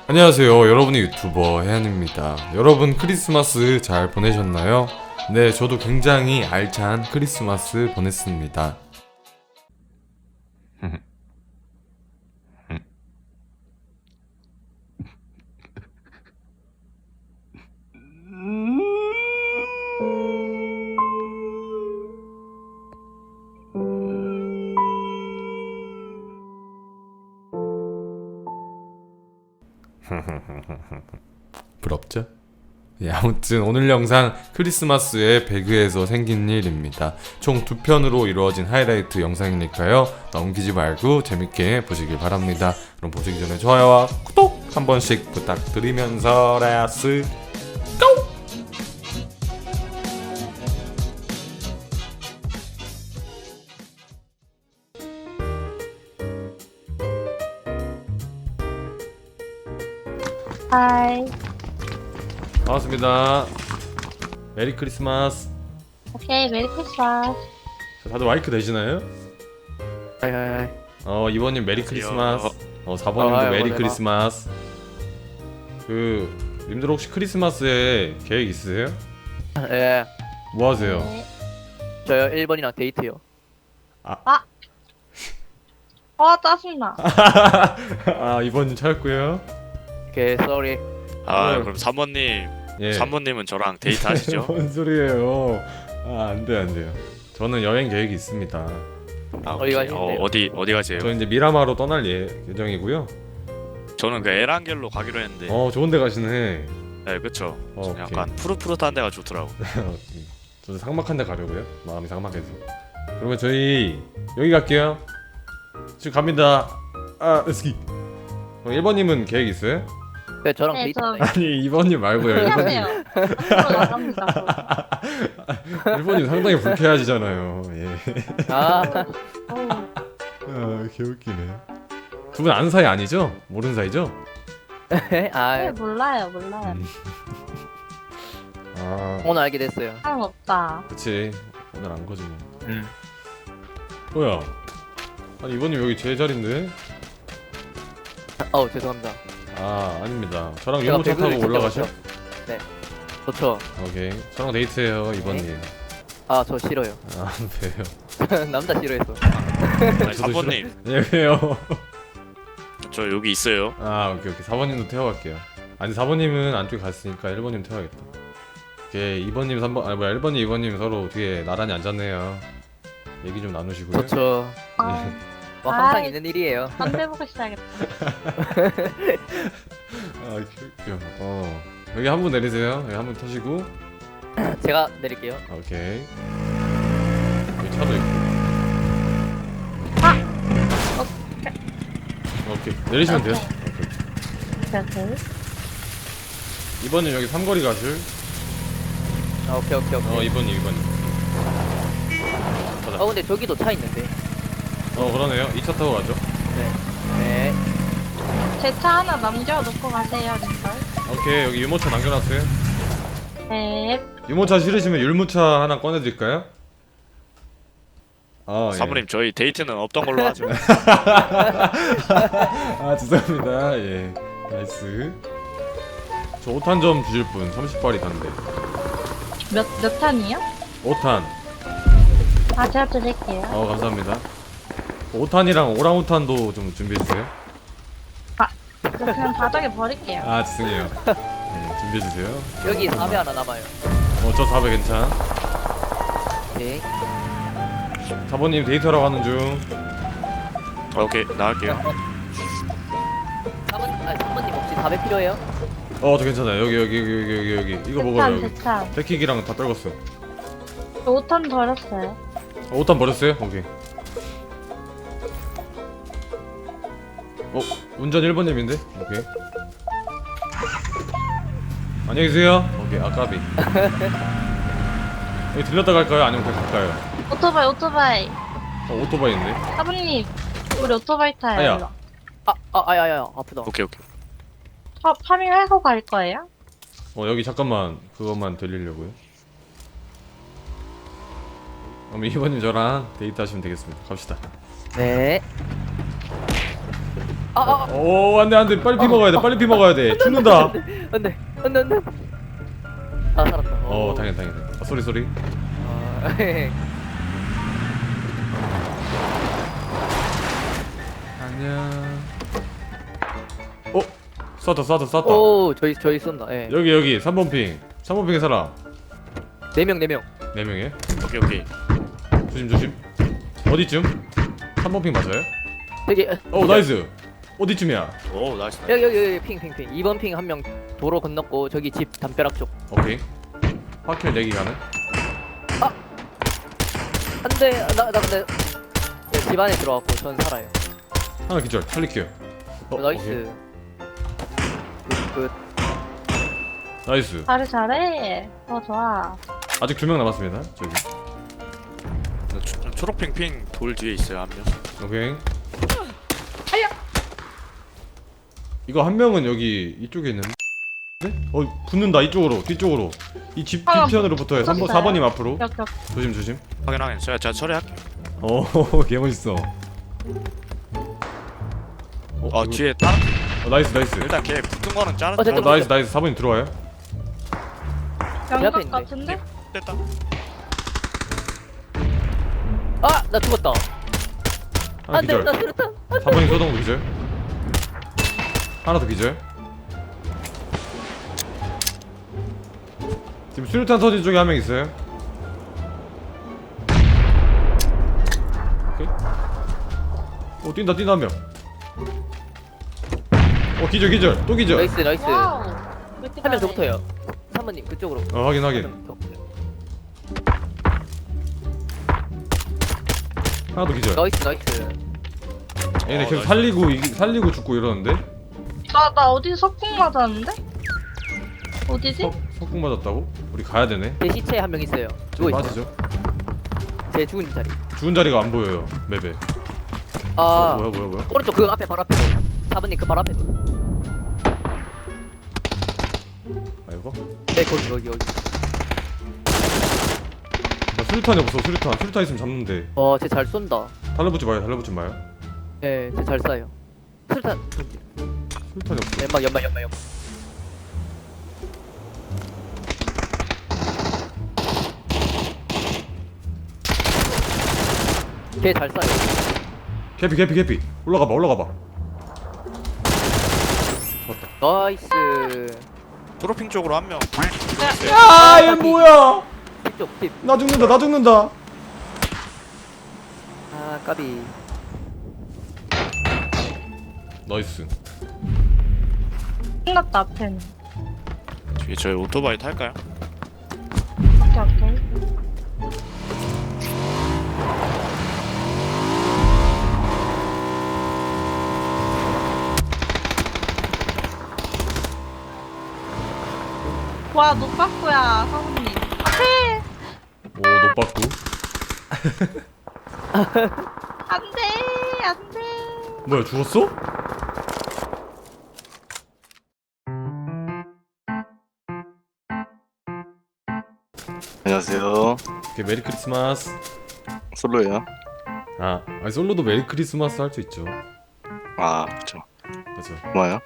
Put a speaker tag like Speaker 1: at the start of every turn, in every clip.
Speaker 1: 안녕하세요. 여러분의 유튜버 혜연입니다. 여러분 크리스마스 잘 보내셨나요? 네, 저도 굉장히 알찬 크리스마스 보냈습니다. 부럽죠? 예, 아무튼 오늘 영상 크리스마스에 배그에서 생긴 일입니다. 총 2편으로 이루어진 하이라이트 영상이니까요. 넘기지 말고 재밌게 보시길 바랍니다. 그럼 보시기 전에 좋아요와 구독 한 번씩 부탁드리면서 레아스 고!
Speaker 2: 하이.
Speaker 1: 반갑습니다. 메리 크리스마스.
Speaker 2: 오케이, 메리 크리스마스.
Speaker 1: 자, 다들 마이크 되시나요?
Speaker 3: 하이하이.
Speaker 1: 이번님 메리 크리스마스. 4번님도 메리
Speaker 3: 뭐래봐.
Speaker 1: 크리스마스. 님들 혹시 크리스마스에 계획 있으세요?
Speaker 3: 예,
Speaker 1: 뭐 하세요?
Speaker 2: 네.
Speaker 3: 저요 1번이랑 데이트요.
Speaker 2: 짜증나.
Speaker 1: 이번님 찾았고요.
Speaker 3: 오케이, 쏘리.
Speaker 4: 그럼 3번님,
Speaker 1: 예.
Speaker 4: 3번님은 저랑 데이트 하시죠?
Speaker 1: 뭔 소리예요? 안 돼요. 저는 여행 계획이 있습니다.
Speaker 3: 어디
Speaker 4: 오케이.
Speaker 3: 가시는데요?
Speaker 4: 어디 가세요?
Speaker 1: 저 이제 미라마로 떠날 예정이고요.
Speaker 4: 저는 그 에란겔로 가기로 했는데,
Speaker 1: 좋은 데 가시네.
Speaker 4: 네, 그쵸.
Speaker 1: 오케이.
Speaker 4: 약간 푸릇푸릇한 데가 좋더라고.
Speaker 1: 저도 삭막한 데 가려고요. 마음이 삭막해서. 그러면 저희 여기 갈게요. 지금 갑니다. 렛츠기. 1번님은 계획 있어요?
Speaker 3: 네, 저랑
Speaker 2: 네,
Speaker 3: 데이트.
Speaker 2: 저-
Speaker 1: 아니 2번님 말고요. 1번님.
Speaker 2: 미안해요. 앞으로 나갑니다.
Speaker 1: 1번님 상당히 불쾌하시잖아요. 예. 개웃기네. 두 분 아는 사이 아니죠? 모르는 사이죠?
Speaker 2: 네,
Speaker 3: 아,
Speaker 2: 몰라요.
Speaker 3: 오늘 알게 됐어요.
Speaker 2: 사람 없다.
Speaker 1: 그치. 오늘 안 거지 뭐.
Speaker 3: 음.
Speaker 1: 뭐야? 아니 이번님 여기 제 자리인데?
Speaker 3: 죄송합니다.
Speaker 1: 아닙니다. 저랑
Speaker 3: 제가
Speaker 1: 유모차
Speaker 3: 배그를
Speaker 1: 타고 올라가셔?
Speaker 3: 찾아왔죠? 네, 좋죠.
Speaker 1: 오케이. 저랑 데이트해요 이번님.
Speaker 3: 저 싫어요.
Speaker 1: 왜요?
Speaker 3: 남자 싫어해서.
Speaker 4: 아니,
Speaker 1: 저도
Speaker 4: 3번님,
Speaker 1: 예, 왜요?
Speaker 4: 저 여기 있어요.
Speaker 1: 오케이. 4번님도 태워갈게요. 아니 4번님은 안쪽에 갔으니까 1번님 태워야겠다. 오케이. 2번님 3번 1번님 2번님 서로 뒤에 나란히 앉았네요. 얘기 좀 나누시고요.
Speaker 3: 좋죠. 뭐 항상 있는 일이에요.
Speaker 2: 담배 보고 시작했다.
Speaker 1: 귀여워. 여기 한 분 내리세요. 여기 한 분 타시고.
Speaker 3: 제가 내릴게요.
Speaker 1: 오케이. 여기 차도 있고. 오케이. 내리시면 돼요. 오케이.
Speaker 2: 오케이.
Speaker 1: 2번님 여기 삼거리 가실.
Speaker 3: 오케이.
Speaker 1: 2번님. 가자.
Speaker 3: 근데 저기도 차 있는데.
Speaker 1: 그러네요. 2차 타고 가죠.
Speaker 3: 네.
Speaker 2: 제 차 하나 남겨놓고 가세요, 님들.
Speaker 1: 오케이. 여기 유모차 남겨놨어요.
Speaker 2: 네.
Speaker 1: 유모차 싫으시면 율무차 하나 꺼내드릴까요? 예.
Speaker 4: 3번님, 저희 데이트는 없던 걸로 하죠.
Speaker 1: 죄송합니다. 예. 나이스. 저 5탄 좀 주실 분. 30발이 단데.
Speaker 2: 몇 탄이요?
Speaker 1: 5탄.
Speaker 2: 제가 드릴게요.
Speaker 1: 감사합니다. 5탄이랑 오랑우탄도 좀 준비해주세요.
Speaker 2: 저 그냥 바닥에 버릴게요.
Speaker 1: 죄송해요. 네, 준비해주세요.
Speaker 3: 여기 4배 하나 남아요.
Speaker 1: 저 4배 괜찮아.
Speaker 3: 오케이.
Speaker 1: 4번님 데이트하러 가는 중.
Speaker 4: 오케이, 나갈게요.
Speaker 3: 3번님 혹시 4배 필요해요?
Speaker 1: 저 괜찮아요. 여기. 이거 먹어요. 여기.
Speaker 2: 대탄.
Speaker 1: 데킥이랑 다 떨궜어.
Speaker 2: 저 5탄 버렸어요.
Speaker 1: 5탄 버렸어요? 오케이. 운전 1번님인데? 오케이. 안녕히 계세요. 오케이. 까비. 여기 들렸다 갈까요? 아니면 그냥 갈까요?
Speaker 2: 오토바이.
Speaker 1: 오토바이 있네.
Speaker 2: 사부님, 우리 오토바이 타요.
Speaker 1: 아야.
Speaker 2: 일로.
Speaker 3: 아야야야, 아프다.
Speaker 4: 오케이.
Speaker 2: 파밍하고 갈 거예요?
Speaker 1: 여기 잠깐만 그것만 들리려고요. 그럼 2번님 저랑 데이트 하시면 되겠습니다. 갑시다.
Speaker 3: 네.
Speaker 1: 오 안돼 빨리 피 먹어야 돼 빨리 피 먹어야 돼 죽는다.
Speaker 3: 안돼. 아 살았다.
Speaker 1: 당연. 아, 쏘리. 안녕. 쐈다.
Speaker 3: 오 저희 쏜다. 예.
Speaker 1: 여기 3번 핑의 사람.
Speaker 3: 4명.
Speaker 1: 4명에
Speaker 4: 오케이.
Speaker 1: 조심. 어디쯤? 3번 핑 맞아요?
Speaker 3: 여기.
Speaker 1: 나이스. 어디쯤이야?
Speaker 4: 오 나이스.
Speaker 3: 여기 핑. 2번 핑 한 명 도로 건넜고 저기 집 담벼락 쪽.
Speaker 1: 오케이. 화킬 내기 가능?
Speaker 3: 안돼. 나 근데 집 안에 들어왔고 전 살아요.
Speaker 1: 하나 기절 살릴게요.
Speaker 3: 나이스. 끝.
Speaker 1: 나이스.
Speaker 2: 잘해. 좋아.
Speaker 1: 아직 2명 남았습니다. 저기.
Speaker 4: 초록핑 돌 뒤에 있어요 한 명.
Speaker 1: 오케이. 이거 한 명은 여기 이쪽에 있는데? 붙는다 이쪽으로 뒤쪽으로 이 집 뒤편으로 붙어요. 3번 4번님 앞으로.
Speaker 2: 역.
Speaker 1: 조심.
Speaker 4: 확인. 제가 처리할게요.
Speaker 1: 개멋있어. 이거-
Speaker 4: 뒤에 다른.
Speaker 1: 나이스.
Speaker 4: 일단 걔 붙은 거는 자른.
Speaker 3: 됐다.
Speaker 1: 나이스 4번님 들어와요.
Speaker 3: 앞에
Speaker 2: 연각
Speaker 3: 있네.
Speaker 2: 같은데?
Speaker 4: 됐다.
Speaker 3: 나 죽었다.
Speaker 1: 하나
Speaker 3: 안돼.
Speaker 1: 기절.
Speaker 3: 나 수류탄.
Speaker 1: 4번님 쏘던 기절. 하나 더 기절. 지금 수류탄 터진 쪽에 한 명 있어요. 오케이. 뛴다 한 명. 기절 또 기절.
Speaker 3: 나이스.
Speaker 2: 와우. 왜 이렇게
Speaker 3: 한 명 더
Speaker 2: 잘해?
Speaker 3: 붙어요. 3번님 그쪽으로.
Speaker 1: 확인.
Speaker 3: 한 명 더 붙어요.
Speaker 1: 하나 더 기절.
Speaker 3: 나이스.
Speaker 1: 얘네 계속
Speaker 4: 나이스.
Speaker 1: 살리고 죽고 이러는데.
Speaker 2: 나 어디서 석궁 맞았는데? 어디지?
Speaker 1: 석궁 맞았다고? 우리 가야 되네.
Speaker 3: 제 시체에 한 명 있어요. 누워 있어요.
Speaker 1: 맞으죠?
Speaker 3: 제 죽은 자리.
Speaker 1: 죽은 자리가 안 보여요 맵에. 뭐야?
Speaker 3: 오른쪽 그 앞에 바로 앞에. 4번님 그 바로 앞에.
Speaker 1: 아이고.
Speaker 3: 네 거기.
Speaker 1: 나 수류탄이 없어. 수류탄 있으면 잡는데.
Speaker 3: 쟤 잘 쏜다.
Speaker 1: 달라붙지 마요.
Speaker 3: 네, 쟤 잘 쏴요. 수류탄.
Speaker 1: 수류탄이 없어.
Speaker 3: 연막. 걔 잘 쏴요.
Speaker 1: 개피. 올라가봐.
Speaker 3: 나이스.
Speaker 4: 초록핑 쪽으로 한 명.
Speaker 1: 야, 얘 뭐야?
Speaker 3: 뒷쪽 뒷.
Speaker 1: 나 죽는다.
Speaker 3: 아 까비.
Speaker 1: 나이스.
Speaker 2: 끝났다 앞에는.
Speaker 4: 뒤에 저희 오토바이 탈까요?
Speaker 2: 오케이. 와, 노빠꾸야, 사모님. 앞에!
Speaker 1: 오, 노빠꾸.
Speaker 2: 안 돼!
Speaker 1: 뭐야, 죽었어?
Speaker 5: 안녕하세요.
Speaker 1: 오케이, 메리 크리스마스.
Speaker 5: 솔로예요.
Speaker 1: 아니 솔로도 메리 크리스마스 할 수 있죠.
Speaker 5: 그렇죠.
Speaker 1: 맞아.
Speaker 5: 고마워요.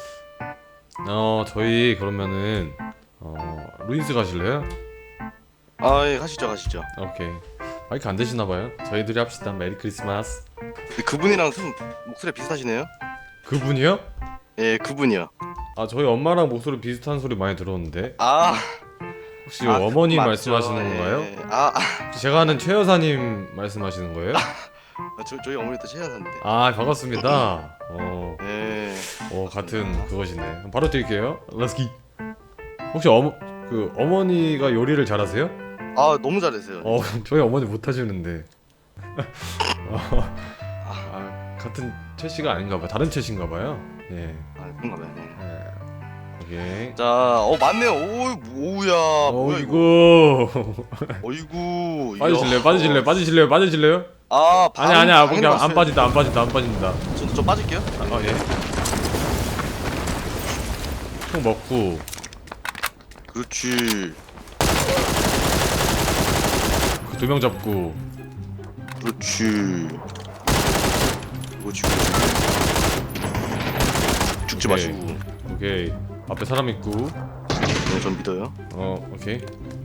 Speaker 1: 저희 그러면은 루인스 가실래요?
Speaker 5: 예, 가시죠.
Speaker 1: 오케이. 마이크 안 되시나 봐요. 저희들이 합시다. 메리 크리스마스.
Speaker 5: 근데 그분이랑 좀 목소리 비슷하시네요.
Speaker 1: 그분이요?
Speaker 5: 예, 그분이요.
Speaker 1: 저희 엄마랑 목소리 비슷한 소리 많이 들었는데 혹시 어머님
Speaker 5: 맞죠.
Speaker 1: 말씀하시는 건가요?
Speaker 5: 예.
Speaker 1: 혹시 제가 아는 최 여사님 말씀하시는 거예요?
Speaker 5: 저희 어머니도 최연사인데.
Speaker 1: 반갑습니다.
Speaker 5: 예.
Speaker 1: 같은 그것이네. 바로 드릴게요. 렛츠기. 혹시 어머니가 요리를 잘하세요?
Speaker 5: 너무 잘했어요.
Speaker 1: 저희 어머니 못하시는데. 같은 최 씨가 아닌가 봐요. 다른 최 씨인가 봐요. 예.
Speaker 5: 그런가 봐요. 네.
Speaker 1: 오케이.
Speaker 5: 자, 맞네요. 오우야. 뭐야 이거?
Speaker 1: 어이구.
Speaker 5: 어이구.
Speaker 1: 빠지실래요? 아니야. 그냥 안 빠진다.
Speaker 5: 저 빠질게요.
Speaker 1: 예. 총 먹고.
Speaker 5: 그렇지.
Speaker 1: 2명 잡고.
Speaker 5: 그렇지. 죽지
Speaker 1: 오케이.
Speaker 5: 마시고.
Speaker 1: 오케이. 앞에 사람 있고.
Speaker 5: 네, 전 믿어요.
Speaker 1: 오케이.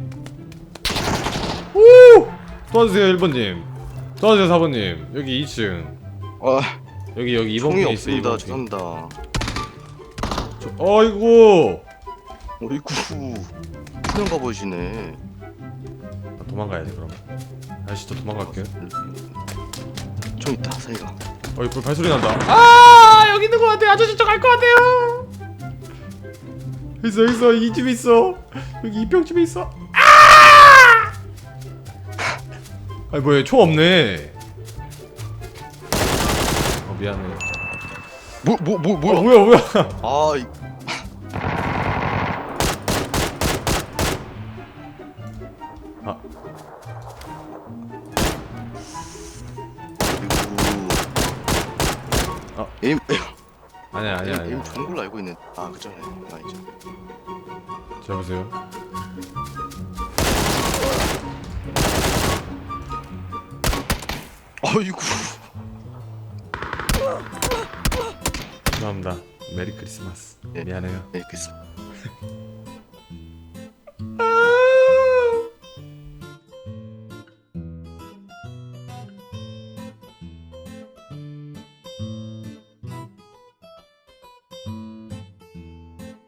Speaker 1: 오! 도와주세요 1번님. 도와주세요 4번님. 여기 2층.
Speaker 5: 아,
Speaker 1: 여기 2번
Speaker 5: 총이
Speaker 1: 핑에 있어요.
Speaker 5: 없습니다.
Speaker 1: 2번 핑.
Speaker 5: 죄송합니다.
Speaker 1: 어이구.
Speaker 5: 어이구, 그냥 가보시네.
Speaker 1: 도망가야지 그럼. 아저씨 저 도망갈게요.
Speaker 5: 총 있다, 사이가.
Speaker 1: 어이 불 발소리 난다. 아 여기 있는 것 같아. 아저씨 저 갈 것 같아요. 있어 이 집에 있어. 여기 이평집에 있어. 아! 아니 뭐야 총 없네. 미안해.
Speaker 5: 뭐야?
Speaker 1: 뭐야.
Speaker 5: 아,
Speaker 1: 아
Speaker 5: 그리고
Speaker 1: 아니야.
Speaker 5: 에임 좋은 걸로 알고 있는. 아, 그전에 아니죠.
Speaker 1: 자 보세요.
Speaker 5: 어이구.
Speaker 1: 죄송합니다. 메리 크리스마스.
Speaker 5: 네.
Speaker 1: 미안해요.
Speaker 5: 네, 알겠습니다.